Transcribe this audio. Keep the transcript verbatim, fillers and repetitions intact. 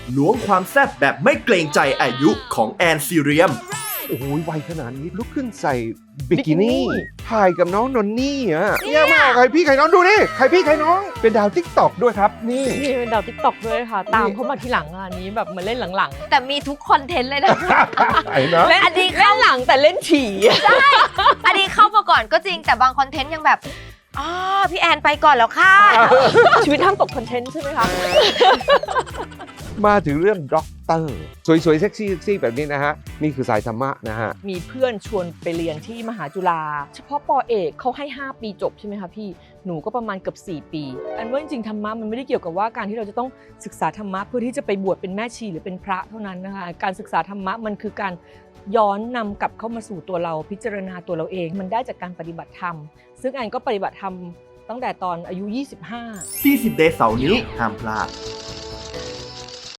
ล้วงความแซ่บแบบไม่เกรงใจอายุของแอนซีเรียมโอ้โหวัยขนาดนี้ลุกขึ้นใส่บิกินี่ถ่ายกับน้องนนนี่อ่ะเนี่ยมากใครพี่ใครน้องดูนี่ใครพี่ใครน้องเป็นดาวติ๊กต็อกด้วยครับนี่นี่เป็นดาวติ๊กต็อกด้วยค่ะ ตามเขามาทีหลังอันนี้แบบเหมือนเล่นหลังแต่มีทุกคอนเทนต์เลยนะไอ้นะๆ เล่นอดีเล่นหลังแต่เล่นถี่อันนี้เข้ามาก่อนก็จริงแต่บางคอนเทนต์ยังแบบอ๋อพี่แอนไปก่อนแล้วค่ะชีวิตห้ามตกคอนเทนต์ใช่ไหมคะมาถึงเรื่องด็อกเตอร์สวยๆเซ็กซี่เซ็กซี่แบบนี้นะฮะนี่คือสายธรรมะนะฮะมีเพื่อนชวนไปเรียนที่มหาจุฬาเฉพาะปอเอกเขาให้ห้าปีจบใช่ไหมคะพี่หนูก็ประมาณเกือบสี่ปีอันว่าจริงๆธรรมะมันไม่ได้เกี่ยวกับว่าการที่เราจะต้องศึกษาธรรมะเพื่อที่จะไปบวชเป็นแม่ชีหรือเป็นพระเท่านั้นนะคะการศึกษาธรรมะมันคือการย้อนนำกลับเข้ามาสู่ตัวเราพิจารณาตัวเราเองมันได้จากการปฏิบัติธรรมซึ่งแอนก็ปฏิบัติธรรมตั้งแต่ตอนอายุยี่สิบห้าสี่สิบ Days เสาร์นี้ห้ามพลาด